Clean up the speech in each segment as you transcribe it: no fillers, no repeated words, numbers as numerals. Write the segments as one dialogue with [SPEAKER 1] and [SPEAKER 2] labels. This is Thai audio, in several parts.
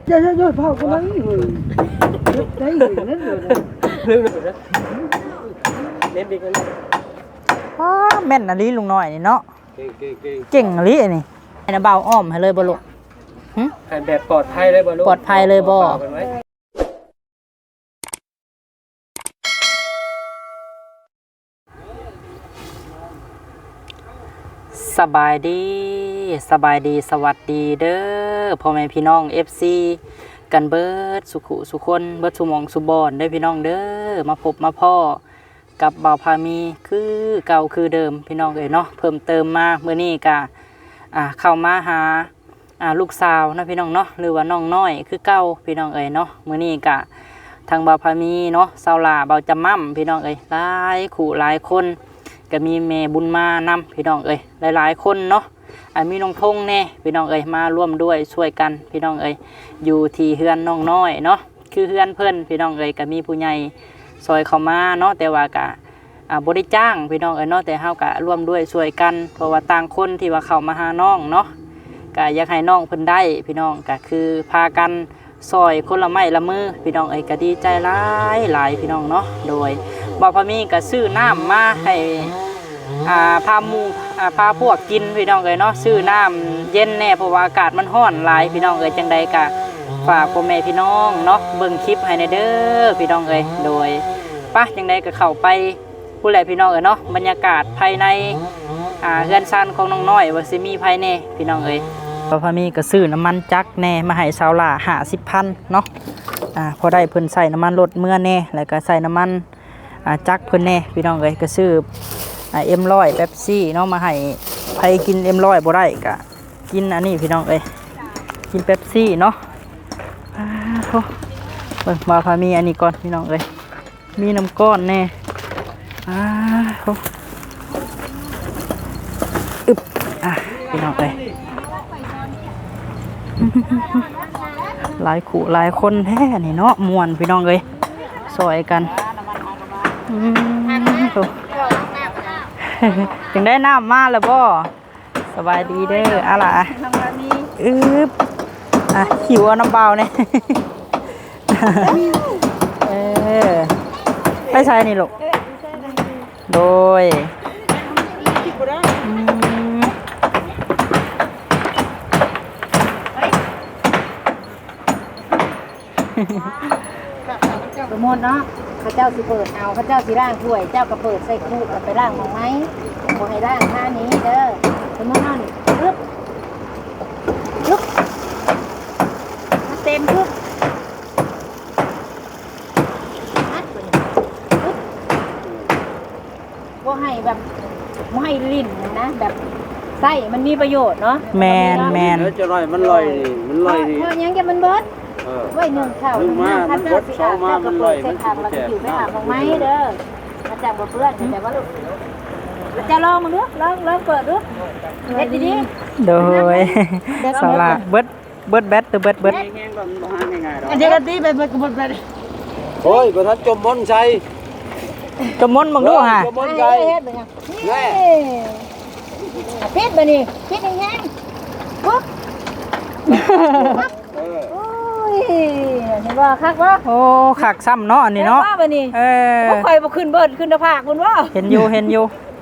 [SPEAKER 1] Chơi chơi chơi phao có mấy người đấy người nít rồi
[SPEAKER 2] ลืมเลยเน้นดีกัน
[SPEAKER 3] แม่นอะลีลุงน้อยนี่เนาะ
[SPEAKER 2] เก่ง
[SPEAKER 3] เก่งอะลีนี่ให้นะเบาอ้อมให้เลยบ่ลูก
[SPEAKER 2] ให้แบบปลอดภัยเลยบ่ลูก
[SPEAKER 3] ปลอดภัยเลยบ่ สบายดีสวัสดีเด้อพ่อแม่พี่น้อง FC กันเบิดสุขุสุคนเบิดสุหมองสุบอนเด้อพี่น้องเด้อมาพบมาพ่อกับบ่าวพามีคือเก่าคือเดิมพี่น้องเอ้ยเนาะเพิ่มเติมมามื้อนี้ก็เข้ามาหาลูกสาวนะพี่น้องเนาะหรือว่าน้องน้อยคือเก่าพี่น้องเอ้ยเนาะมื้อนี้ก็ทางบ่าวพามีเนาะสาวหล่าบ่าวจำม่ำพี่น้องเอ้ยหลายคู่หลายคนก็มีแม่บุญมานำพี่น้องเอ้ยหลายๆคนเนาะมีน้องทงแน่พี่น้องเอ้ยมาร่วมด้วยช่วยกันพี่น้องเอ้ยอยู่ที่เฮือนน้องน้อยเนาะคือเฮือนเพิ่นพี่น้องเอ้ยก็มีผู้ใหญ่ซอยเข้ามาเนาะแต่ว่าก็บ่ได้จ้างพี่น้องเอ้ยเนาะแต่เฮาก็ร่วมด้วยช่วยกันเพราะว่าต่างคนที่ว่าเข้ามาหาน้องเนาะก็อยากให้น้องเพิ่นได้พี่น้องก็คือพากันซอยคนละไม้ละมือพี่น้องเอ้ยก็ดีใจหลายพี่น้องเนาะโดยบ่าวพามีก็ซื้อน้ำมาให้พาหมู่พาพวกกินพี่น้องเอ้ยเนาะซื้อน้ำเย็นแน่เพราะว่าอากาศมันร้อนหลายพี่น้องเอ้ยจังใดก็ฝากพ่อแม่พี่น้องเนาะเบิ่งคลิปให้ในเด้อพี่น้องเอ้ยโดยป่ะจังใดก็เข้าไปผู้ใหญ่พี่น้องเอ้ยเนาะบรรยากาศภายในเรือนซ่านของน้องน้อยว่าสิมีภายในพี่น้องเอ้ยพอมีก็ซื้อน้ำมันจักแน่มาให้ชาวล่า50,000เนาะพอได้เพิ่นใส่น้ำมันรถเมื่อแน่แล้วก็ใส่น้ำมันจักเพิ่นแน่พี่น้องเอ้ยก็ซื้อM100เป๊ปซี่เนาะมาให้ใครกินM100บ่ได้ก็กินอันนี้พี่น้องเอ้ยกินเป๊ปซี่เนาะโธ่เบิ่งมาพามีอันนี้ก่อนพี่น้องเอ้ยมีน้ำก้อนแน่โธ่อึบพี่น้องเอ้ยหลายคู่หลายคนแท้นี่เนาะม่วนพี่น้องเอ้ยซอยกันโธ่ถึงได้น้ำมาแล้วบ่สบายดีเด้ออะไรหิวน้ำเปล่าเนี่ยไปใช้นี่ลูกโดย
[SPEAKER 4] สมมติเนาะข้าเจ้าสิเปิดเอาข้าเจ้าสิร่างถ้วยเจ้าก็เปิดใส่คู่กับไปร่างของไหมขอให้ร่างท่านี้เด้อสมมตินั่นลึกเต็มลึกว่าให้แบบไม่ให้ลิ้นนะแบบไส้มันมีประโยชน์เนาะ
[SPEAKER 3] แมน
[SPEAKER 2] แล้วจะลอยมันลอยนี่
[SPEAKER 4] เพราะยังแกมันเบิดไว้หนึ่งข้าวหนึ่งน้ำข้าวเจ้าสิอาบเจ้าก็เปิดใส่ถังแล้วก็อยู่ไม่อาบของไม้เด้ออาจารย์บอกเพื่อนแต่ว่าลูกจะลองมึงดูลองเปิดดูเฮ็ดดี
[SPEAKER 3] โดยสาระเบิดแบตตัวเบิด
[SPEAKER 4] อันเดียวกันดีไปกระบวนไป
[SPEAKER 2] โอ้ยบ่ทันจมมนใส่
[SPEAKER 3] จมมนมึงดูฮะ
[SPEAKER 2] จมมนใส่
[SPEAKER 4] เฮ็ดแบบนี้พิษบ่นี่พิษยังไงปุ๊บโอ้ยเห็นว่าคักบ่
[SPEAKER 3] โอ้คักซ้ำเนาะอันนี้เนาะ
[SPEAKER 4] บ่นี่บ่ค่อยบ่ขึ้นเบิดขึ้นตะภาคคุณบ่
[SPEAKER 3] เห็นอยู่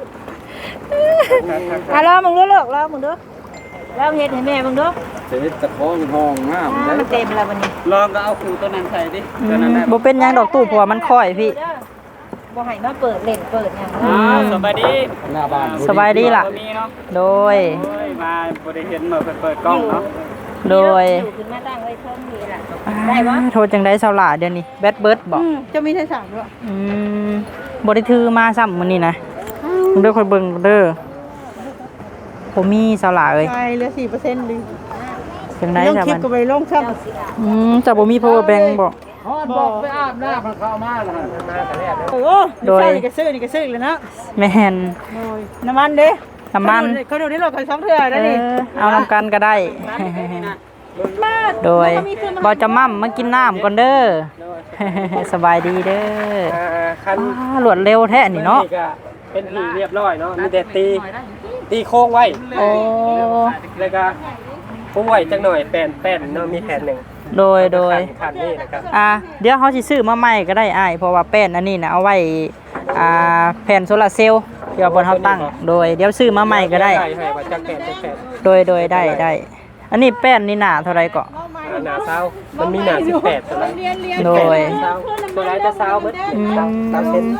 [SPEAKER 4] ลองมึงดูลูกลองมึงดูลองเฮ็ดให้แม่มึงดู
[SPEAKER 2] เฮ็ดตะคองห้องน้ำ
[SPEAKER 4] มันเต็มแล้วบัดนี้
[SPEAKER 2] ลองก็เอาคู่ตัวนั้นใส่ดิตัวนั้น
[SPEAKER 3] บ่เป็นหยังดอกตู้เพราะว่ามันค่อยพี่
[SPEAKER 4] บ่ให้มาเปิดเล่นเปิดหยัง
[SPEAKER 2] สบายดีหน้าบ้าน
[SPEAKER 3] สบายดีล่ะโดย
[SPEAKER 2] มาบ่ได้เห็นมาเปิดกล้องเนาะ
[SPEAKER 3] โดย
[SPEAKER 4] อยู่ขึ้นมาตั้งไว้เทิงนี่ล่ะได้บ่
[SPEAKER 3] โทรจังได๋สาวหล่าเดี๋ยวนี้แบตเบิดบ่
[SPEAKER 4] จะมีไทย3ด้วย
[SPEAKER 3] บ่ได้ถือมาซ้ำมื้อนี้นะมึงเด้อค่อยเบิ่งเด้อผมมีสาวหล่าเอ้ย
[SPEAKER 4] ใช่เหลือ 4% ดิ
[SPEAKER 3] จังได๋จ้ะมัน
[SPEAKER 4] ก็ไปลงซ้ํ
[SPEAKER 3] จะบ่มี power bank บ่
[SPEAKER 2] บอกไปอาบน้ำมันเข้ามาแล้วมาแต่แรก
[SPEAKER 4] โอ้โดยนี่ก็ซื้อเลยนะ
[SPEAKER 3] แม่น
[SPEAKER 4] น้ำมันเด้
[SPEAKER 3] น้ำมัน
[SPEAKER 4] เขาดูนี่รถกัน2เทื่อได้นี่
[SPEAKER 3] เอานำกันก็ได้โดยบ่จะม่ำมากินน้ำก่อนเด้อสบายดีเด้อหลวดเร็วแท้นี่เนาะ
[SPEAKER 2] เป็นที่เรียบร้อยเนาะมีแต่ตีโค้งไว้
[SPEAKER 3] โอ้
[SPEAKER 2] แล้วก็ปูไว้จังหน่อยแป้นเนาะมีแผ่นหนึ่ง
[SPEAKER 3] โดย
[SPEAKER 2] คันนี้นะครับ
[SPEAKER 3] เดี๋ยวเขาสิซื้อมาใหม่ก็ได้อ้ายเพราะว่าแป้นอันนี้นะเอาไว้แผ่นโซลาร์เซลล์เดี๋ยวบนเขาตั้งโดยเดี๋ยวซื้อมาใหม่ก็ได้
[SPEAKER 2] ให้ว่าจักแปด
[SPEAKER 3] โดยได้อันนี้แป้นนี่หนาเท่าไรก็
[SPEAKER 2] หนาเศร้ามันมีหนา18ตัวละ
[SPEAKER 3] โดย
[SPEAKER 2] ตัวไรจะเศร้าเบิดเศร้าเซน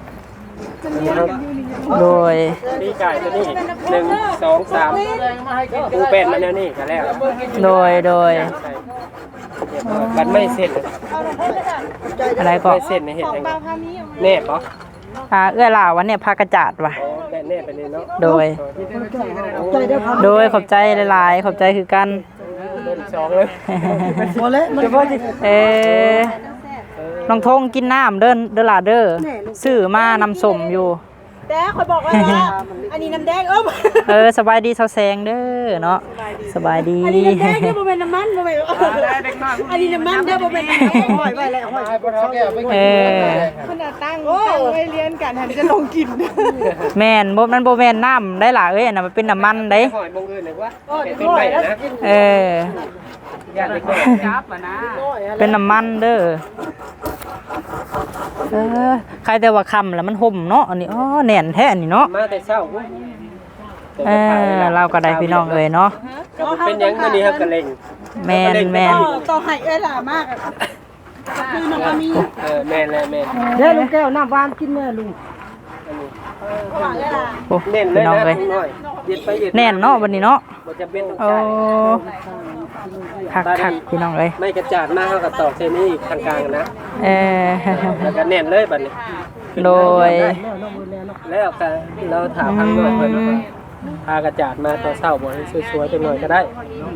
[SPEAKER 3] โดย
[SPEAKER 2] ปีไก่ตัวนี้1 2 3ปูเป็นมันแนวนี้ก็แล้ว
[SPEAKER 3] โดย
[SPEAKER 2] มันไม่เสร็จ
[SPEAKER 3] อะไรก็
[SPEAKER 2] ไม่เสร็จในเห็ดยังแน่ปะ
[SPEAKER 3] เอื้อล่าวันเนี่ยพากระจาดว่ะ
[SPEAKER 2] แน่ไปเลยเนาะ
[SPEAKER 3] โดยขอบใจหลายๆขอบใจคือกัน
[SPEAKER 2] เดิน2เลย
[SPEAKER 1] พอแล้วมัน
[SPEAKER 3] น้องทงกินน้ำเด้อล่ะเด้อซื้อมานำส้มอยู่
[SPEAKER 1] แต่คอยบอกว่าอันนี้น้ำแดง
[SPEAKER 3] สบายดีเซาแซงเด้อเนาะสบายดี
[SPEAKER 1] อันนี้น้ำแดงเด้อบ่เป็นน้ำมันบ่เป็นอันนี้น้ำมันเด้อบ่เป็นห้อยไว้แล้วห้อยขนาดตั้งไว้เรียนกันหันจะลงกิน
[SPEAKER 3] แม่นมันบ่แม่นน้ำได้ล่ะอันน่ะมันเป็นน้ำมันเด้
[SPEAKER 2] หอยมงอื่นเลยว่าเป็นใบนะญาติเล็กน้อยจับนะ
[SPEAKER 3] เป็นน้ำมันเด้อใครแต่ว่าคำแล้วมันห่มเนาะอันนี้แน่นแท้อันนี้เนาะ
[SPEAKER 2] มาแต่เช้า
[SPEAKER 3] เราก็ได้พี่น้องเนาะ
[SPEAKER 2] เป็นยังมื้อนี้ครับกะเล็ง
[SPEAKER 3] แม่น
[SPEAKER 1] ต่อให้ล่ะมากคือน้องก็มี
[SPEAKER 2] แม่นแล้วแม่น
[SPEAKER 1] เด้อลุงแก้วน้ำหวานกินแม่ลุง
[SPEAKER 2] เน่นเลยนะ
[SPEAKER 3] แน่นเนาะวันนี้เนาะ
[SPEAKER 2] บ่จำเป็นต้องจ่าย
[SPEAKER 3] คักพี่น้องเอ้ย
[SPEAKER 2] ไม่กระจาดมากเท่ากับตอกเซนี่ทางกลางนะแล้วก็แน่นเลยบัดนี้
[SPEAKER 3] โดย
[SPEAKER 2] แล้วก็เราถามทางด้วยเพิ่นพากระจาดมาตอนเช้าบ่ให้สวยๆจังหน่อยก็ได้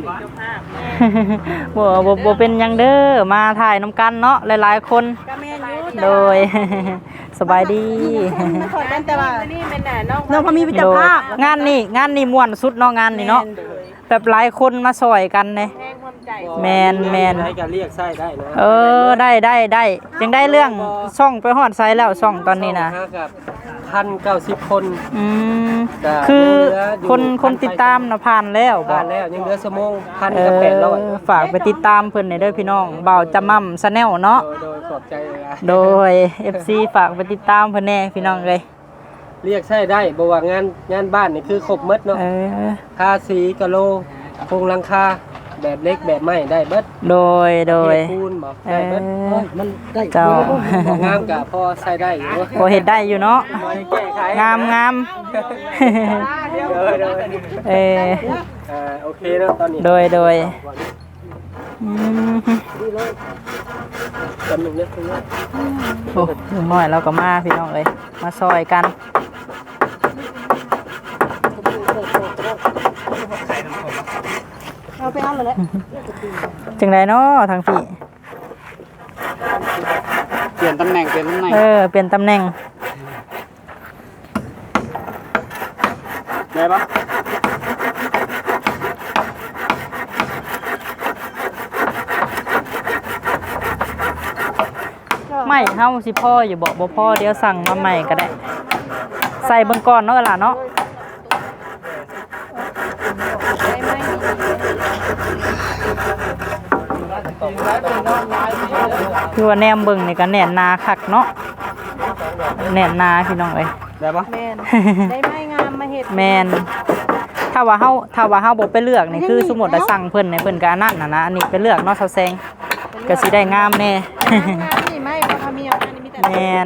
[SPEAKER 3] บ่เป็นหยังเด้อมาถ่ายน้ำกันเนาะหลายๆคนโดยสบายดี
[SPEAKER 1] แต่ว่าน้องพอมีวิจารภาพ
[SPEAKER 3] งานนี่ม่วนสุดเนาะงานนี่เนาะแบบหลายคนมาซอยกันเลยแมน
[SPEAKER 2] ให้การเรียกไส้ได้นะ
[SPEAKER 3] ได้ยังได้เรื่องช่องไปฮอดไซแล้วช่องตอนนี้นะ
[SPEAKER 2] 1,090 คน
[SPEAKER 3] คือคนติดตามนะผ่านแล้ว
[SPEAKER 2] ยังเหลือชั่วโมง1,800
[SPEAKER 3] ฝากไปติดตามเพิ่นเด้อพี่น้องเบาจะมั่มชาแนลเนาะ
[SPEAKER 2] โดยขอบใจ
[SPEAKER 3] โดย FC ฝากไปติดตามเพิ่นแน่พี่น้องเลย
[SPEAKER 2] เรียกใช่ได้บ่ว่างานบ้านนี่คือครบหมดเนาะทาสีกะโลโครงหลังคาแบบเล็กแบบไม้ได้เบิด
[SPEAKER 3] โดย
[SPEAKER 2] ปูนบ่ได้เบิด
[SPEAKER 1] มันได้
[SPEAKER 3] เจ้
[SPEAKER 2] างามกะพอใช้ได้อยู่
[SPEAKER 3] พอเฮ็ดได้อยู่เนาะงาม
[SPEAKER 2] โอเคเนาะตอนนี้
[SPEAKER 3] โดย
[SPEAKER 2] จำหนึ่งเล็กนึง
[SPEAKER 3] โอ้ลุงน้อยเราก็มาพี่น้องเลยมาซอยกัน
[SPEAKER 1] เอาไปเอาเลย
[SPEAKER 3] จังไรเนาะทางพี่
[SPEAKER 2] เปลี่ยนตำแหน่งเปลี่ยนตำแหน่งได้ปะ
[SPEAKER 3] ไม่เฮาสิพ่ออยู่บ่พ่อเดี๋ยวสั่งมาใหม่ก็ได้ใส่เบิ่งก่อนเนาะล่ะเนาะคือว่าแนมเบิ่งนี่ก็แน่นนาคักเนาะแน่นนาพี่น้องเอ้ย
[SPEAKER 2] ได้ปะ
[SPEAKER 1] ได้ไม้งามมาเฮ็ด
[SPEAKER 3] แม่นถ้าว่าเฮาบ่ไปเลือกนี่คือสมมุติว่าสั่งเพิ่นนี่เพิ่นก็อันนั้นน่ะอันนี้ไปเลือกเนาะเซาแซงก็สิได้งามแน่
[SPEAKER 1] นี่ไม่บ่ทำมีอันนี้มีแต่
[SPEAKER 3] แม่น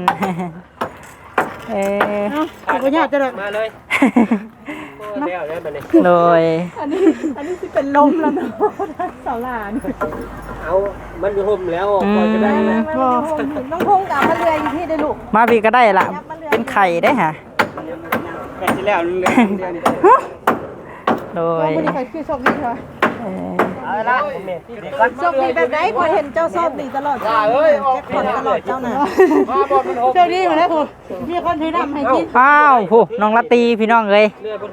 [SPEAKER 1] บ่ยากจะได้
[SPEAKER 2] มาเลยแล้วได้บัดนี้
[SPEAKER 3] โดย
[SPEAKER 1] อันนี้สิเป็นลมแล้วเนาะสาวหลาน
[SPEAKER 2] เอามันอยู่ห่มแล้วพอจะได้นะ
[SPEAKER 1] น้องพงกับมาเรืออยู่ที่ได้ลูก
[SPEAKER 3] มาพี่ก็ได้ล่ะเป็นไข่ได้ฮะ
[SPEAKER 2] ไข่ที่แล้วเรือ
[SPEAKER 3] โดย
[SPEAKER 1] บ่ได้ไข่คือโชคดีค่ะ
[SPEAKER 2] เอาละ
[SPEAKER 1] โชคดีแบบไหนพอเห็นเจ้าโชคดีตลอดเก็บคนตลอดเจ้าน่ะโชคดีมาแล้วคุณพี่คนถือน้ำให้กิน
[SPEAKER 3] อ้าวผู้น้องละตีพี่น้องเลย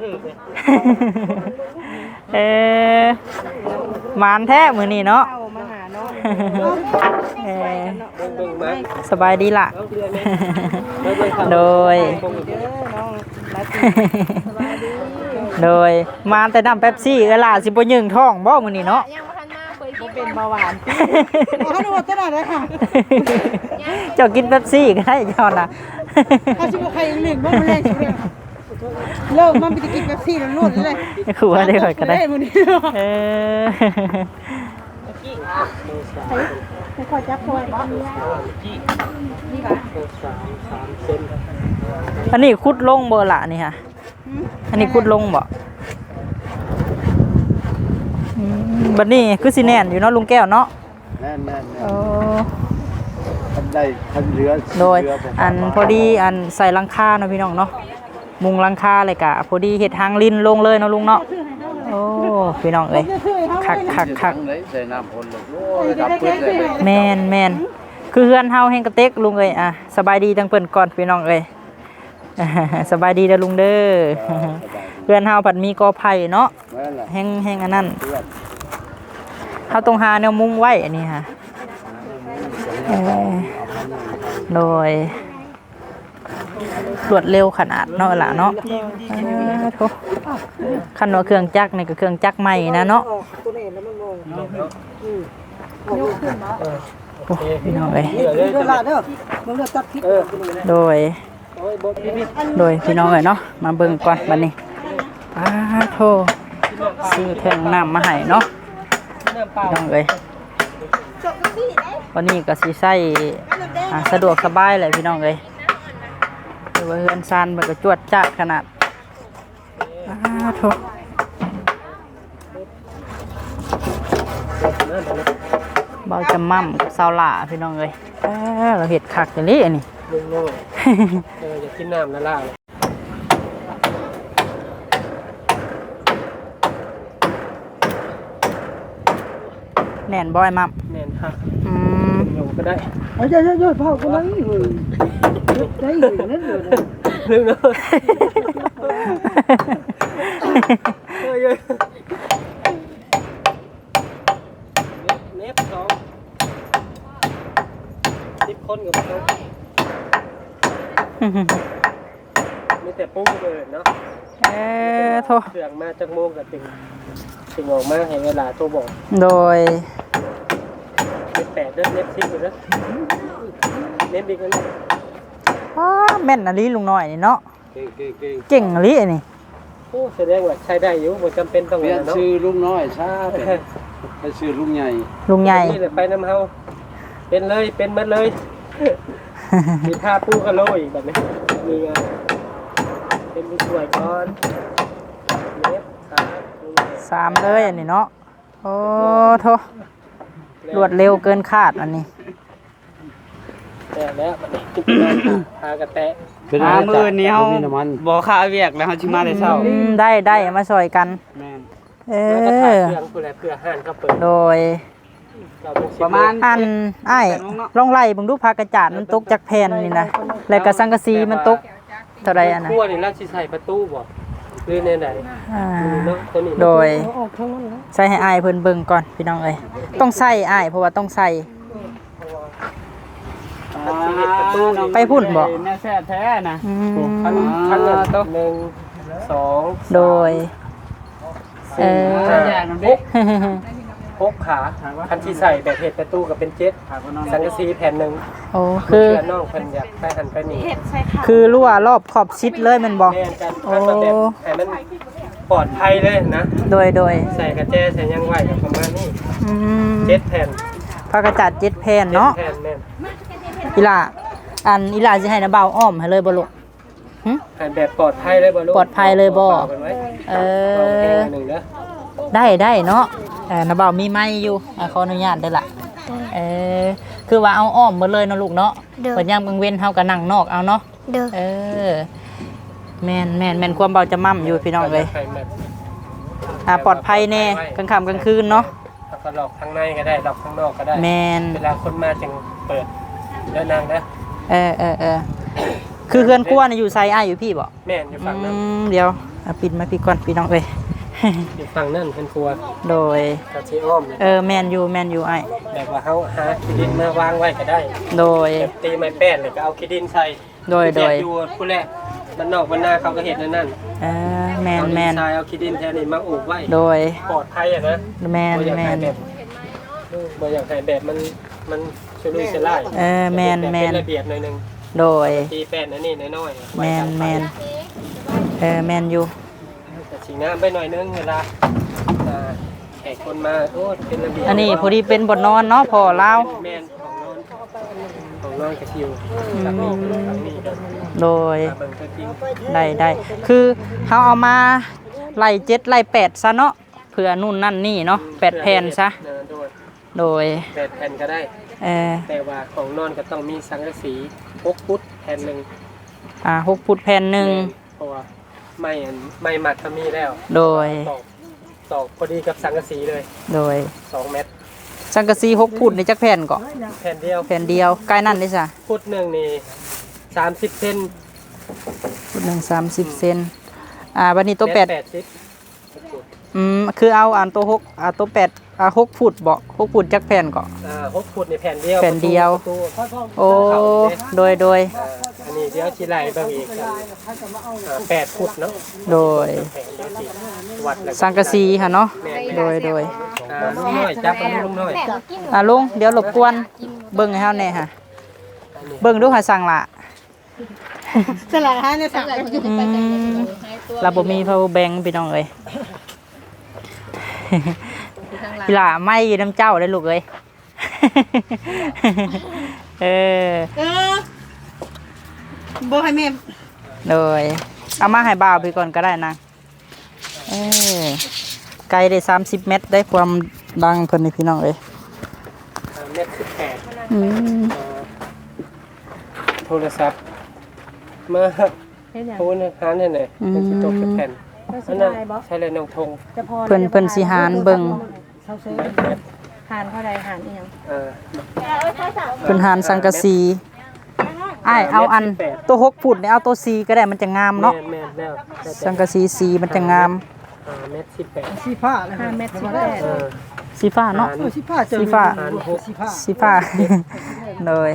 [SPEAKER 3] หมานแท้มื้อนี้เนาะสบายดีล่ะโดยมาแต่น้ำเป๊ปซี่ล่ะสิบ่ยึงท้องบ่มื้อนี้เนาะ
[SPEAKER 1] เป็นเบาหวานเขาดูว่าตลาดเลยค่ะ
[SPEAKER 3] เจ้ากินเป๊ปซี่ก็ได้เจ้าน่ะ
[SPEAKER 1] เขาชิมว่าใครหนึ่งว่ามันแรงชิมเลยเลิกมันไปกินเป๊ปซี่แล้วรุ่นเลย
[SPEAKER 3] ขู่ว่าได้ก่อนก็ได้เออ
[SPEAKER 1] ไม่ค่อยจับตัวบ้าง
[SPEAKER 2] 3 เซน
[SPEAKER 3] อันนี้คุดลงเบอร์ละนี่ค่ะอันนี้คุดลงบ่บัดนี้คือสิแน่นอยู่เนาะลุงแก้วเนาะ
[SPEAKER 5] แน่น
[SPEAKER 3] โอ้
[SPEAKER 5] ทำได้ทำเรือ
[SPEAKER 3] โดยอันพอดีอันใส่หลังคาเนาะพี่น้องเนาะมุงหลังคาเลยกะพอดีเฮ็ดทางลิ้นลงเลยเนาะลุงเนาะโอ้พี่น้องเอ้ยคัก
[SPEAKER 5] เลยใส่น้ำพ่นเลยโอ้ยดับเพิ่นเลย
[SPEAKER 3] แม่นคือเฮือนเฮาแห่งกระเต็กลุงเอ้ยอ่ะสบายดีจังเพิ่นก่อนพี่น้องเอ้ย สบายดีเด้อลุงเด้อเฮือนเฮาผัดมีกอไผ่เนาะ
[SPEAKER 5] แม่นล่ะ
[SPEAKER 3] แห้งอันนั้นเฮาต้องหาแนวมุงไว้อันนี้ค่ะโดยรวดเร็วขนาดเนาะล่ะเนาะโธ่คันว่าเครื่องจักรนี่ก็เครื่องจักรใหม่นะเนาะ
[SPEAKER 1] ตัวนี้แล้วมันงง
[SPEAKER 3] โอ้พี่น้องเอ้ย
[SPEAKER 1] เดือดละเด้อมึงเดือดตัดพิษ
[SPEAKER 3] โดยพี่น้องเอ้ยเนาะมาเบิ่งก่อนบัดนี้โธ่ซื้อแท่งน้ำมาให้เนาะพี่น้องเอ้ยวันนี้ก็สิใช้สะดวกสบายเลยพี่น้องเอ้ยแต่ว่าเฮือนซานมันก็จวดจ้าขนาดโธ่เบาจะมั่มกับซาวหล่าพี่น้องเอ้ยเราเห็ดคักอย่างนี้อันนี้
[SPEAKER 2] ลุงโน่อยากกินน้ำนั่นล่ะ
[SPEAKER 3] แน่นบ่อยมั่ม
[SPEAKER 2] แน่นฮะ
[SPEAKER 3] Ừ.
[SPEAKER 2] ลงก็ได้
[SPEAKER 1] เอาเยอะๆเผาคนนั้นเลยได้อยู่นั่นเลย
[SPEAKER 2] ลืมเนาะเน็บสอง10 คนกับเขามีแต่ปุ้งเลยเนาะ
[SPEAKER 3] โธ่
[SPEAKER 2] เครื่องมาจากโมงกับถึงออกมาให้เวลาตัวบอก
[SPEAKER 3] โดย
[SPEAKER 2] เน็บ8เด้อเน็บ10อยู่เด้อเน็บอีกอันนึง
[SPEAKER 3] แม่นอะลีลุงน้อยนี่เนาะ
[SPEAKER 5] เก่ง
[SPEAKER 3] เก่งอะลีอันนี้
[SPEAKER 2] โอ้แสดงว่าใช้ได้อยู่บ่จำเป็นต้อง
[SPEAKER 5] เปลี่ยน
[SPEAKER 2] เนาะ
[SPEAKER 5] ชื่อลุงน้อยซะไปชื่อลุงใหญ่
[SPEAKER 3] ลุงใหญ่
[SPEAKER 2] นี่แหละไปน้ำเฮาเป็นเลยเป็นหมดเลยมีท่าปูกะโลอีกแบบนี้มีงานเป็นผู้ช่วยก่อนเน็บครับ
[SPEAKER 3] 3เลยอันนี้เนาะโอ้โธ่รวดเร็วเกินคาดอันนี้
[SPEAKER 2] แต่แล้วมันพากระแตะ
[SPEAKER 6] มื้อนี้เฮา
[SPEAKER 5] มีน้ำมัน
[SPEAKER 6] บ่ค่าเวียกแล้วเฮาสิมาแต่เช้า
[SPEAKER 3] ได้มาซอยกัน
[SPEAKER 6] แม่น
[SPEAKER 2] แล้วก็ถ่ายเครื่องเพื่อห้านเขาเปิด
[SPEAKER 3] โดย
[SPEAKER 6] ประมาณ
[SPEAKER 3] อันอ้ายลองไล่เบิ่งดูผักกระจาดมันตกจากแผ่นนี่นะแล้วก็สังกะสีมันตกเท่าใดอันน่ะ
[SPEAKER 2] ขั้วนี่ราชใส่ประตูบ่หรือในไหน เนาะตัวนี้
[SPEAKER 3] โดยใส่ให้อ้ายเพิ่นเบิ่งก่อนพี่น้องเอ้ยต้องใส่อ้ายเพราะว่าต้องใส่ ไปพุ่นบ่
[SPEAKER 6] แน่แท้แท้นะ
[SPEAKER 2] คันละ1 2
[SPEAKER 3] โดย
[SPEAKER 2] 6 ขาคันที่ใส่แบบเห็ดประตูกับเป็น7สังกะสีแผ่นหนึ่ง
[SPEAKER 3] โอ้คือ
[SPEAKER 2] เพื่อนน้องเพิ่นอยากไปหันไปนี่
[SPEAKER 3] คือรั่วรอบขอบชิดเลยแมันบ่
[SPEAKER 2] แม่นกันคันแบบให้มันปลอดภัยเลยนะ
[SPEAKER 3] โดย
[SPEAKER 2] ใส่กระแจใส่ยังไหวกับประมาณนี้
[SPEAKER 3] อืม
[SPEAKER 2] 7 แผ่น
[SPEAKER 3] ผักกระจาด7แผ่นเนาะ
[SPEAKER 2] แผ่นแม่น
[SPEAKER 3] อีหล่าอีหล่าสิให้นะเบาอ้อมให้เลยบ่ลูกหึ
[SPEAKER 2] ให้แบบปลอดภัยเลยบ่ลูก
[SPEAKER 3] ปลอดภัยเลยบ่
[SPEAKER 2] อาไว้
[SPEAKER 3] เอ
[SPEAKER 2] เอาเพลง
[SPEAKER 3] อ
[SPEAKER 2] อันหนึ่งเด้อ
[SPEAKER 3] ได้เนาะนะเบามีไม้อยู่ขออนุญาตได้อล่ะคือว่าเอาอ้อมหมดเลยเนาะลูกเนาะเปิดยามกลางเว้นเฮาก็นั่งนอกเอาเนาะแม่นความเบาจะมั่มอยู่พี่น้องเลย
[SPEAKER 2] ให้แบบ
[SPEAKER 3] ปลอดภัยแน่กลางค่ำกลางคืนเนาะ
[SPEAKER 2] แล้วก็หลอกข้างในก็ได้หลอกข้างนอกก็ได้
[SPEAKER 3] แม่น
[SPEAKER 2] เวลาคนมาจึงเปิดเดินนางนะ
[SPEAKER 3] คือเฮือนกลัวน่ะอยู่ไซอ้ายอยู่พี่บ่
[SPEAKER 2] แม่นอยู่ฝั่งนั้น
[SPEAKER 3] เดี๋ยวเอาปิดมาพี่ก่อนพี่น้องเอ้ย
[SPEAKER 2] อยู่ฝั่งนั้นเป็นครัว
[SPEAKER 3] โดย
[SPEAKER 2] กับชีอ้อม
[SPEAKER 3] แม่นอยู่อ้าย
[SPEAKER 2] แบบว่าเขาหาขี้ดินมาวางไว้ก็ได้
[SPEAKER 3] โดย
[SPEAKER 2] แบบตีไม้แป้นเลยก็เอาขี้ดินใส่
[SPEAKER 3] โดย
[SPEAKER 2] แจกอยู่ผู้แรกมันนอกมันหน้าเขาก็เห็นนั่น
[SPEAKER 3] แม่น
[SPEAKER 2] ทรายเอาขี้ดินแทนนี่มาอุบไว้
[SPEAKER 3] โดย
[SPEAKER 2] ปลอดภัยอะนะ
[SPEAKER 3] แม่น
[SPEAKER 2] บ่อยากให้แบบบ่อยากให้แบบมันชุลุยสลาย
[SPEAKER 3] แม่น
[SPEAKER 2] เป็นระเบียบหน่อยนึง
[SPEAKER 3] โดย
[SPEAKER 2] ตีแป้นอันนี้น้อยๆ
[SPEAKER 3] แม่นแม่นอยู่
[SPEAKER 2] แต่สีงามไปหน่อยนึงเวลาแขกคนมาโอ้เป็นระเบียบ
[SPEAKER 3] อันนี้พอดีเป็นบ่นอนเนาะพอลาว
[SPEAKER 2] แม่นของนอนกระชิวจากนี่
[SPEAKER 3] โดย
[SPEAKER 2] เบิ่งตัวจริง
[SPEAKER 3] ได้คือเฮาเอามาไล่7ไล่8ซะเนาะเผื่อนู่นนั่นนี่เนาะ8แผ่นซะโดย
[SPEAKER 2] 8แผ่นก็ได้แต่ว่าของนอนก็ต้องมีสังกะสี6ฟุตแผ่นนึง
[SPEAKER 3] 6ฟุตแผ่นหนึง
[SPEAKER 2] เพราะว่าไม่มัดก็มีแล้ว
[SPEAKER 3] โดย
[SPEAKER 2] ตอกพอดีกับสังกะสีเลย
[SPEAKER 3] โดย
[SPEAKER 2] 2 เมตร
[SPEAKER 3] สังกะสี6ฟุตนี่จักแผ่นก็
[SPEAKER 2] แผ่นเดียว
[SPEAKER 3] แผ่นเดียวใกล้นั่นเด้ซะ
[SPEAKER 2] ฟุตหนึ่งนี่30 เซน
[SPEAKER 3] ฟุตหนึง30 เซนบัดนี้ตัว8
[SPEAKER 2] 80
[SPEAKER 3] คือเอาอันตัว6ตัว8 6ฟุตบ่6ฟุตจักแผ่นก็
[SPEAKER 2] 6 ฟุตในแผ่นเดียว
[SPEAKER 3] แผ่นเดียว
[SPEAKER 2] ประตู
[SPEAKER 3] โอ้โดย
[SPEAKER 2] อันนี้เดี๋ยวชิไลเบิ่งอีก8 ฟุตเนาะ
[SPEAKER 3] โดย
[SPEAKER 2] แผ่นเดียวสิวัดแล้ว
[SPEAKER 3] สังกะสีค่ะเนาะโดย
[SPEAKER 2] ลุงน้อยจับลุงน้อย
[SPEAKER 3] ลุงเดี๋ยวรบกวนเบิ่งให้เฮาแหน่ค่ะเบิ่งดูหาสั่งละ
[SPEAKER 1] สลัดฮะเนี่ยสั่ง
[SPEAKER 3] เราบ่มี power bank พี่น้องเอ้ย พี่ล่ะไม่อยู่น้ำเจ้าได้ลูกเอ้ย
[SPEAKER 1] บ่ให้แม่
[SPEAKER 3] เลยเอามาให้บ่าวพี่ก่อนก็ได้นะไกลได้30 เมตรได้ความดังเพิ่นนี่พี่น้องเอ้ย
[SPEAKER 2] เม็ด18โทรศัพท์มาโทรหาแน่ๆเป็นสิตกแผ่นอันนั้นใช้เลยน้องทง
[SPEAKER 3] เพิ่นสิหารเบิ่ง
[SPEAKER 4] หารเท่าใดหารอีหยัง
[SPEAKER 3] เพิ่นหารสังกะสีเอาอันตัว6ฟุตนี่เอาตัว4ก็ได้มันจะงามเนาะ
[SPEAKER 2] แม่นแล้ว
[SPEAKER 3] สังกะสีสีมันจะงาม
[SPEAKER 2] เม็ด18
[SPEAKER 1] สีผ้าเลย
[SPEAKER 4] 5 เมตร
[SPEAKER 3] สีฟ้าเนาะ
[SPEAKER 1] สีผ้าเจอ
[SPEAKER 3] สีฟ้า
[SPEAKER 1] สีผ้า
[SPEAKER 3] เลย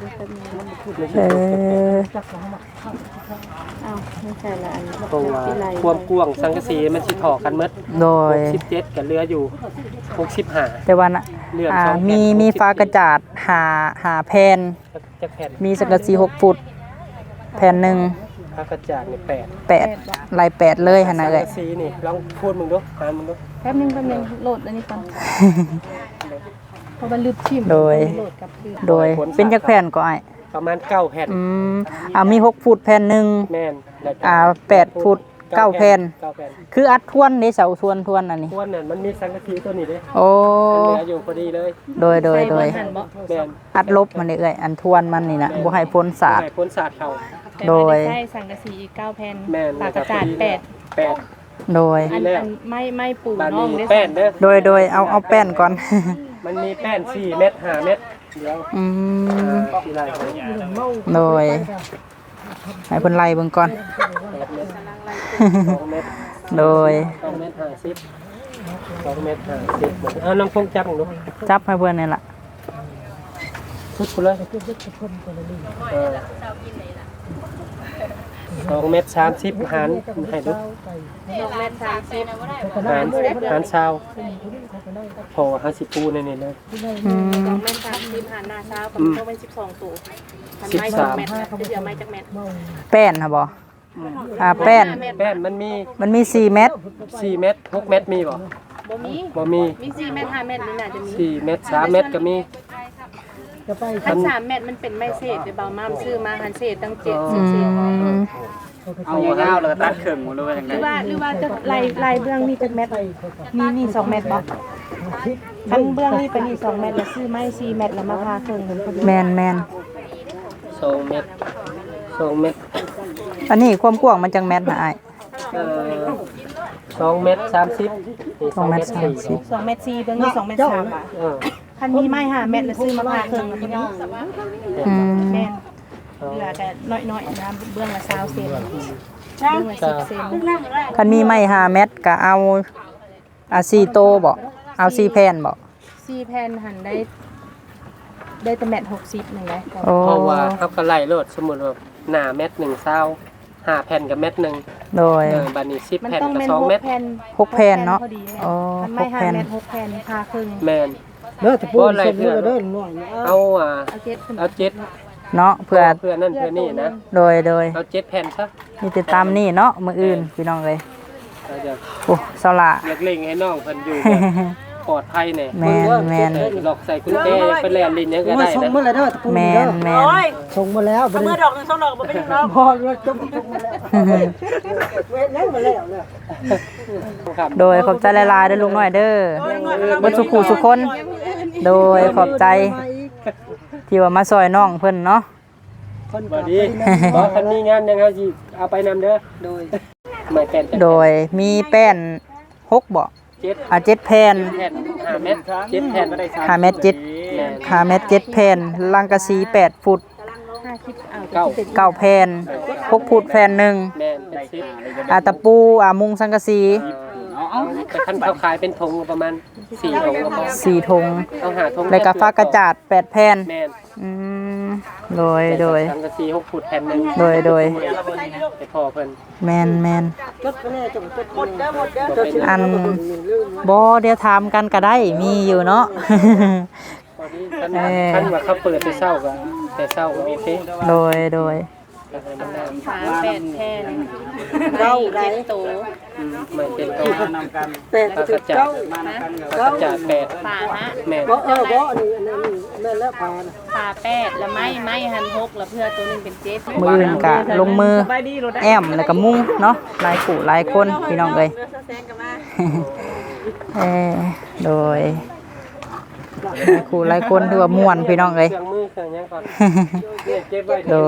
[SPEAKER 4] ไม่ใช่ละอัน
[SPEAKER 2] เพราะว่าความกว้างสังกะสีมันสิถอกันหมด
[SPEAKER 3] โดย
[SPEAKER 2] 17กับเรืออยู่65
[SPEAKER 3] แต่ว่านะมีฟ้ากระจาดหาแผ่น
[SPEAKER 2] จักแผ่น
[SPEAKER 3] มีสังกะสี6ฟุตแผ่นหนึ่ง
[SPEAKER 2] พระกระจาดนี่
[SPEAKER 3] 8ลาย8เลยหั่นน่ะเอ้ย
[SPEAKER 2] สังกะสีนี่ลองพูดมึงดูหามึงดู
[SPEAKER 4] แป๊บนึงโหลดอันนี้ก่อนเพราะมันลืมชิม
[SPEAKER 3] โดย
[SPEAKER 4] โหลดกับคือ
[SPEAKER 3] โดยเป็นจักแผ่นก็อ้าย
[SPEAKER 2] ประมาณ9แผ่น
[SPEAKER 3] มี6ฟุตแผ่นหนึง
[SPEAKER 2] แม่นแล้วก็
[SPEAKER 3] 8ฟุต9แผ่น
[SPEAKER 2] 9แผ่น
[SPEAKER 3] คืออัดทวนได้เสาทวนอันนี้
[SPEAKER 2] ทวนนั่นมันมีสังกะสีตัวนี้เด้
[SPEAKER 3] โอ้
[SPEAKER 2] เหลืออยู่พอดีเลย
[SPEAKER 3] โดย
[SPEAKER 2] แม่น
[SPEAKER 3] อัดลบมันนี่เอ้ยอันทวนมันนี่น่ะบ่ให้พ้นสาด
[SPEAKER 2] ให้พ้นสาดเข้า
[SPEAKER 3] โดย
[SPEAKER 4] ใช่สังกะสีอีก9แผ่น
[SPEAKER 2] แม่น
[SPEAKER 4] ปากกระจาด
[SPEAKER 2] 8
[SPEAKER 3] โดย
[SPEAKER 4] อันไม่ปู
[SPEAKER 2] บ้าน
[SPEAKER 4] น้อง
[SPEAKER 2] นี้
[SPEAKER 4] ได้
[SPEAKER 2] แป้นเด้อ
[SPEAKER 3] โดยเอาแป้นก่อน
[SPEAKER 2] มันมีแป้น4 เม็ด5 เม็ดเดี๋ยวที่ไรเขา
[SPEAKER 3] โดยให้เพิ่นไล่เบิ่งก่อน
[SPEAKER 2] 2 เม็ด
[SPEAKER 3] โดย
[SPEAKER 2] 2 เม็ด50 2 เม็ด50เอาน้องคงจับมึงดู
[SPEAKER 3] จับให้เพิ่นนี่ล่ะ
[SPEAKER 2] พุดกูเลย2 เม็ด30หารให้ดู
[SPEAKER 4] 2 เมตร 30
[SPEAKER 2] หารซาวพอ50ปูในนี่เลย
[SPEAKER 4] 2 เมตร 30หารหน้าเช้ากับต้องเป็น12ตัวมันไม่2 เมตรเดี๋ยวไม่จักเมตร
[SPEAKER 3] แป้นค่ะบ่แป้น
[SPEAKER 2] แป้นมันมี
[SPEAKER 3] 4 เม็ด
[SPEAKER 2] 4 เม็ด6 เม็ดมีบ่
[SPEAKER 4] บ่มี
[SPEAKER 2] มี
[SPEAKER 4] 4 เมตร 5 เมตรนี่น่าจะมี
[SPEAKER 2] 4 เม็ด3 เม็ดก็มี
[SPEAKER 4] อัน3 เมตรมันเป็นไม้เศษเดี๋ยวเบาม่ามซื้อมาหันเศษตั้ง7
[SPEAKER 6] เอายาวๆแล้วก็ตัดเครื่องหมดเลยว่าจัง
[SPEAKER 4] ห
[SPEAKER 6] ได๋
[SPEAKER 4] รือว่าจะลายเบื้องนี่จักเมตรนี่2 เมตรบ่คันเบื้องนี่เป็นนี่2 เมตรแล้วซื้อไม้4 เมตรแล้วมาพาเครื่องมันพอดี
[SPEAKER 3] แม่น
[SPEAKER 2] 2 เม็ด2 เม็ด
[SPEAKER 3] อันนี้ความกว้างมันจังแม่นนะอ้าย
[SPEAKER 2] 2 เม็ด30นี่
[SPEAKER 3] 2 เม็ด
[SPEAKER 2] 40
[SPEAKER 4] 2 เมตร4เบื้องนี่2 เมตร3บาทคันมีไม้5 เมตรแล้วซื้อมาพาเครื่องมันพอดี
[SPEAKER 3] 30
[SPEAKER 4] แม่นเหลือแต่น้อยๆนะเบื้องละ20เซนเบื้องละ10เซน
[SPEAKER 3] คันมีไม้5 เม็ดก็เอา4โตบ่เอา4แผ่นบ่
[SPEAKER 4] 4 แผ่นหันได้แต่เม็ด60นึงเลย
[SPEAKER 3] โอ้
[SPEAKER 2] เพราะว่าเขาก็ไล่โลดสมมุติว่าหน้าเม็ด1ซาว5แผ่นกับเม็ดนึง
[SPEAKER 3] โดย
[SPEAKER 2] บัดนี้10
[SPEAKER 4] มัน
[SPEAKER 2] แผ่น
[SPEAKER 4] ต้อง
[SPEAKER 2] กับ
[SPEAKER 4] แม่น
[SPEAKER 2] 2 เม็ด
[SPEAKER 4] 6แผ่น
[SPEAKER 3] 6แผ่นเนาะ
[SPEAKER 4] พอดี
[SPEAKER 3] อ๋อ
[SPEAKER 4] คันไม้
[SPEAKER 3] 6
[SPEAKER 4] 5
[SPEAKER 3] แผ่น
[SPEAKER 4] เม็ด6แผ่นพาครึ่ง
[SPEAKER 2] แม่น
[SPEAKER 1] เด้อตะปูส่งเด้อเด้อหน่อย
[SPEAKER 2] เอาเอาเจ็ด
[SPEAKER 3] เนาะเพื่อ
[SPEAKER 2] เพื่อนั่นเพื่อนี่นะ
[SPEAKER 3] โดย
[SPEAKER 2] เอา7แผ่นซะ
[SPEAKER 3] มีติดตามนี่เนาะมื้ออื่นพี่น้องเอ้ย
[SPEAKER 2] เราจะ
[SPEAKER 3] โอ้เซาละ
[SPEAKER 2] เล็งให้น้องเพิ่นอยู่แบบปลอดภัยแน่
[SPEAKER 3] แมน
[SPEAKER 2] หลอกใส่กุญแจไปแล่นลิ้นยังก็ได้
[SPEAKER 1] ส่ง
[SPEAKER 2] นะ
[SPEAKER 1] มาแล้วเด้อตะปู
[SPEAKER 3] แม
[SPEAKER 1] เด้อน ส่งมาแล้วบ่
[SPEAKER 7] เมื่
[SPEAKER 1] ได้
[SPEAKER 7] อดอกหนึ่งสองดอกบ่เป็นหยังดอก
[SPEAKER 1] พอแล้วจบมาแล้วเว้ยยังมาแล้วเนี่ย
[SPEAKER 3] โดยขอบใจหลายๆเด้อลุงน้อยเด้อบ่สุขุสุคน โดยขอบใจที่ว่ามาซอยน้องเพิ่นเนาะ
[SPEAKER 1] คน
[SPEAKER 2] บ่ดีบ่คันมีงานยังเอาสิเอาไปนำเด้อโดยไม่แผ่น
[SPEAKER 3] โดยมีแป้น6บ่
[SPEAKER 2] 7
[SPEAKER 3] 7แผ่น
[SPEAKER 2] แผ่น5เมตร7แผ่นบ่ได้3
[SPEAKER 3] 5เมตร7 5เมตร7แผ่นลังกะสี8ฟุต
[SPEAKER 2] 9
[SPEAKER 3] 9แผ่น6ฟุตแผ่นหนึง
[SPEAKER 2] แม่นเป็น10
[SPEAKER 3] ตะปูมุงสังกะสี
[SPEAKER 2] แต่คันเขาขายเป็นถุงประมาณ4ถุงก็พอ
[SPEAKER 3] 4ถุง
[SPEAKER 2] ต้องหาถุง
[SPEAKER 3] แล้วก็ฟ้ากระจาด8แผ่น
[SPEAKER 2] แม่น
[SPEAKER 3] อืมโดย
[SPEAKER 2] สังกะสี6ฟุตแผ่นนึง
[SPEAKER 3] โดย
[SPEAKER 2] ให้พอเพิ่น
[SPEAKER 3] แมน
[SPEAKER 1] จดไปแน่จงจดหมด
[SPEAKER 2] บ่เป็น
[SPEAKER 3] อันบ่เดี๋ยวถามกันก็ได้มีอยู่เนาะ
[SPEAKER 2] พอดีคันว่าเขาเปิดแต่เช้าก็แต่เช้าก็โอเค
[SPEAKER 3] โดย
[SPEAKER 2] ก็ให้มันได้
[SPEAKER 7] ฝาแปดแผ่นเราไรโต
[SPEAKER 2] ไม่เป็นตัว
[SPEAKER 1] แต่
[SPEAKER 2] ปลากระจาดปลากระจาด8
[SPEAKER 7] ฝาฮะ
[SPEAKER 2] แม่น
[SPEAKER 1] บ่บ่อันนี้แม่นแล้วพานะ
[SPEAKER 7] ฝาแปดแล้วไม้หันหกแล้วเพื่อตัวหนึงเป็น7
[SPEAKER 3] มืออื่นกะลงมือแอมแล้วก็มุ้งเนาะหลายคู่หลายคนพี่น้องเอ้ย โดยหลายคู่หลายคนถือว่าม่วนพี่น้องเอ้ย
[SPEAKER 2] เครื่องมือเครื่องหยังก่อนเนี่ยเก็บไว้
[SPEAKER 3] โด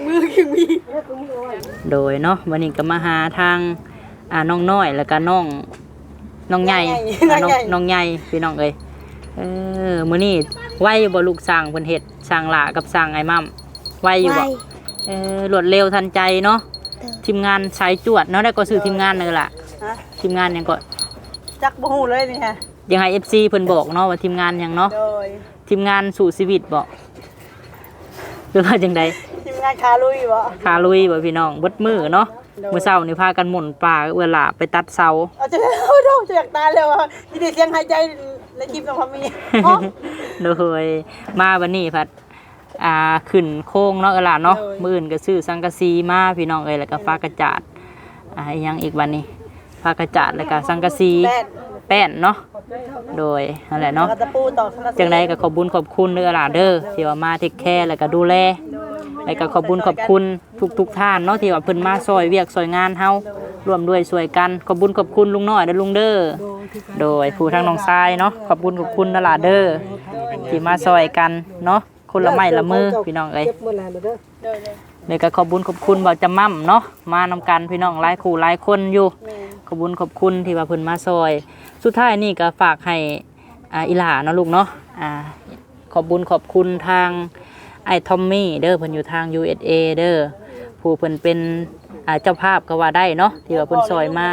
[SPEAKER 3] ยเนาะวันนี้ก็มาหาทางน้องน้อยแล้วก็น้องใหญ่น้องใหญ่พี่น้องเอ้ยมื้อนี้ไวอยู่บ่ลูกสร้างเพิ่นเฮ็ดสร้างหลากับสร้างไอ้มั่มไวอยู่บ่รวดเร็วทันใจเนาะทีมงานสายจวดเนาะได้ก็ซื้อทีมงานนึงล่ะทีมงานหยังก็
[SPEAKER 7] จักบ่ฮู้เลยนี่ฮะ
[SPEAKER 3] ยังให้ FC เพิ่นบอกเนาะว่าทีมงานหยังเนาะ
[SPEAKER 7] โดย
[SPEAKER 3] ทีมงานสู่ชีวิตบ่หรือว่าจังได๋
[SPEAKER 7] ทีมงานคาลุยบ่
[SPEAKER 3] ขาลุยบ่พี่น้องเบิดมื้อเนาะมื้อเช้านี่พากันหมุนป่าเอื้อหลาไปตัดเสา
[SPEAKER 7] เอาจะเอาดอกจะอยากตายแล้วอ่ะมีแต่เสียงหายใจในคลิปน้องพามี
[SPEAKER 3] โดยมาวันนี้พัดขึ้นโค้งเนาะเอื้อหลาเนาะมื้ออื่นก็ซื้อสังกะสีมาพี่น้องเอ้ยแล้วก็ฟ้ากระจาดอีหยังอีกวันนี้ฟ้ากระจาดแล้วก็สังกะสีแป้นเนาะโดยนั่นแหละเนาะ
[SPEAKER 7] กระตะปูตอก
[SPEAKER 3] จังไดก็ขอบคุญขอบคุณเด้อหลาเด้อที่ว่ามาเทคแคร์แล้วก็ดูแลแล้วก็ขอบคุญขอบคุณทุกท่านเนาะที่ว่าเพิ่นมาซอยเวียกซอยงานเฮาร่วมด้วยช่วยกันขอบคุญขอบคุณลุงน้อยเด้อลุงเด้อโดยผู้ทางน้องทรายเนาะขอบคุญขอบคุณเด้อหลาเด้อที่มาซอยกันเนาะคนละไม้ละมือพี่น้องเอ้ย
[SPEAKER 1] เก็บมื้อแล้วเด้อ
[SPEAKER 3] แล้วก็ขอบคุญขอบคุณบ่าวจำม่ำเนาะมานำกันพี่น้องหลายคู่หลายคนอยู่ขอบคุญขอบคุณที่ว่าเพิ่นมาซอยสุดท้ายนี่ก็ฝากให้อีหลาเนาะลูกเนาะขอบคุญขอบคุณทางไอ้ทอมมี่เด้อเพิ่นอยู่ทาง USA เด้อผู้เพิ่นเป็นเจ้าภาพก็ว่าได้เนาะที่ว่าเพิ่นซอยมา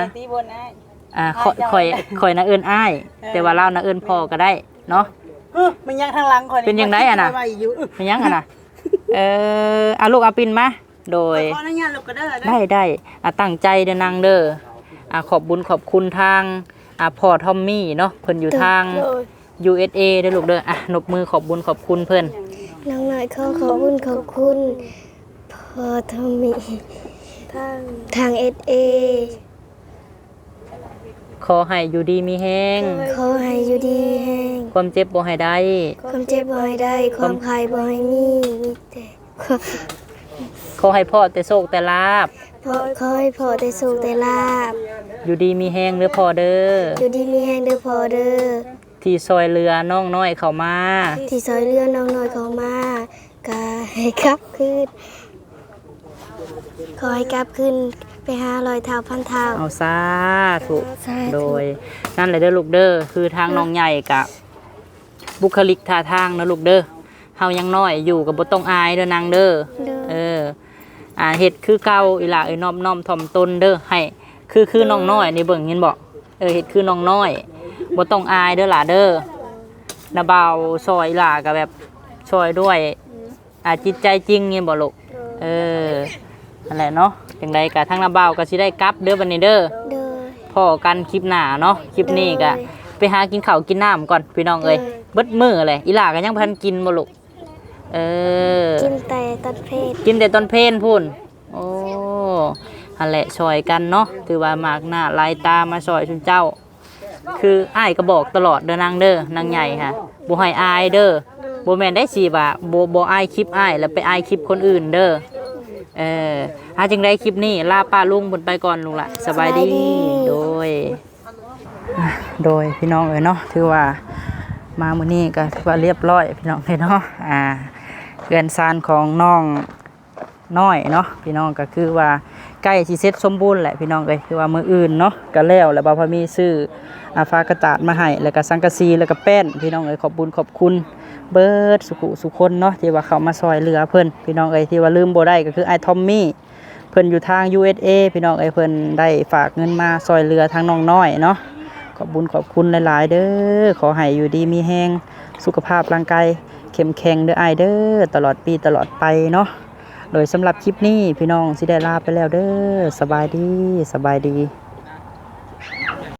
[SPEAKER 3] ข่อยน่ะเอิ้นอ้ายแต่ว่าเราน่ะเอิ้นพ่อก็ได้เนาะ
[SPEAKER 7] มันยังทางหลังคน
[SPEAKER 3] เป็นจังได๋น่ะเป็นหยังน่ะลูกเอาปินมาโดย
[SPEAKER 7] ขออนุญาตลูกก็ได้
[SPEAKER 3] ได้ตั้งใจเด้อนางเด้อขอบบุญขอบคุณทางพ่อทอมมี่เนาะเพิ่นอยู่ทาง USA เด้อลูกเด้อนบมือขอบบุญขอบคุณเพิ่น
[SPEAKER 8] น้องน้อยขอขอบคุณขอบคุณพ่อทอมมี่ทางSA
[SPEAKER 3] ขอให้อยู่ดีมีแฮง
[SPEAKER 8] ขอให้อยู่ดีแห้ง
[SPEAKER 3] ความเจ็บบ่ให้ได้
[SPEAKER 8] ความเจ็บบ่ให้ได้ความใครบ่ให้มีแต่ความ
[SPEAKER 3] ขอให้พ่อแต่โชคแต่ลาบ
[SPEAKER 8] ขอให้พ่อได้สุขได้ลาบ
[SPEAKER 3] อยู่ดีมีแฮงเด้อพ่อเด้อ
[SPEAKER 8] อยู่ดีมีแห้งเด้อพ่อเด้อ
[SPEAKER 3] ที่ซอยเรือน้องน้อยเข้ามา
[SPEAKER 8] ที่ซอยเรือน้องน้อยเขามากาให้กลับคืนขอให้กลับคืนไปหา100 เท่าพันเท่า
[SPEAKER 3] เอาซาถูก
[SPEAKER 8] สาธุ
[SPEAKER 3] โดยนั่นแหละเด้อลูกเด้อคือทางน้องใหญ่กะบุคลิกท่าทางนะลูกเด้อเฮายังน้อยอยู่กับบ่ต้องอายเด้อนางเด้อ
[SPEAKER 8] เด้อ
[SPEAKER 3] เฮ็ดคือเก่าอีหล่าน้อมถ่อมตนเด้อให้คือน้องน้อยนี่เบิ่งเห็นบ่เฮ็ดคือน้องน้อยบ่ต้องอายเด้อหล่าเด้อนาบ่าวซอยอีหล่าก็แบบช่วยด้วยจิตใจจริงนี่บ่ลูกนั่นแหละเนาะจังไดก็ทางนาบ่าวก็สิได้กลับเด้อบัดนี้เด้อ
[SPEAKER 8] เด้อ
[SPEAKER 3] พอกันคลิปหน้าเนาะคลิปนี้ก็ไปหากินข้าวกินน้ำก่อนพี่น้องเอ้ย
[SPEAKER 8] เ
[SPEAKER 3] เบิดมื้อเลยอีหล่าก็ยังบ่ทันกินบ่ลูก
[SPEAKER 8] กินแต่ตอนเพศ
[SPEAKER 3] กินแต่ตอนเพลนพุ่นโอ้หั่นแหละช่วยกันเนาะถือว่ามากหน้าลายตามาช่วยชุนเจ้าคืออ้ายก็บอกตลอดเด้อนางเด้อนางใหญ่ค่ะบ่ให้อายเด้อบ่แม่นได้สิว่าบ่อายคลิปอ้ายแล้วไปอายคลิปคนอื่นเด้อหาจึงได้คลิปนี้ลาป้าลุงเพิ่นไปก่อนลุงล่ะสบายดีโดยพี่น้องเนาะถือว่ามามื้อนี้ก็ถือว่าเรียบร้อยพี่น้องเนาะเรือนซานของน้องน้อยเนาะพี่น้องก็คือว่าใกล้สิเสร็จสมบูรณ์แหละพี่น้องเอ้ยคือว่ามื้ออื่นเนาะก็แล้วแล้วบ่าวพามีซื้อฟ้ากระจาดมาให้แล้วก็สังกะสีแล้วก็แป้นพี่น้องเอ้ยขอบคุณเบิดสุคนเนาะที่ว่าเขามาซอยเหลือเพิ่นพี่น้องเอ้ยที่ว่าลืมบ่ได้ก็คือไอ้ทอมมี่เพิ่นอยู่ทาง USA พี่น้องเอ้ยเพิ่นได้ฝากเงินมาซอยเหลือทางน้องน้อยเนาะขอบคุณหลายๆเด้อขอให้อยู่ดีมีแฮงสุขภาพร่างกายเข้มแข็งเด้ออ้ายเด้อตลอดปีตลอดไปเนาะโดยสำหรับคลิปนี้พี่น้องสิได้ลาไปแล้วเด้อสบายดี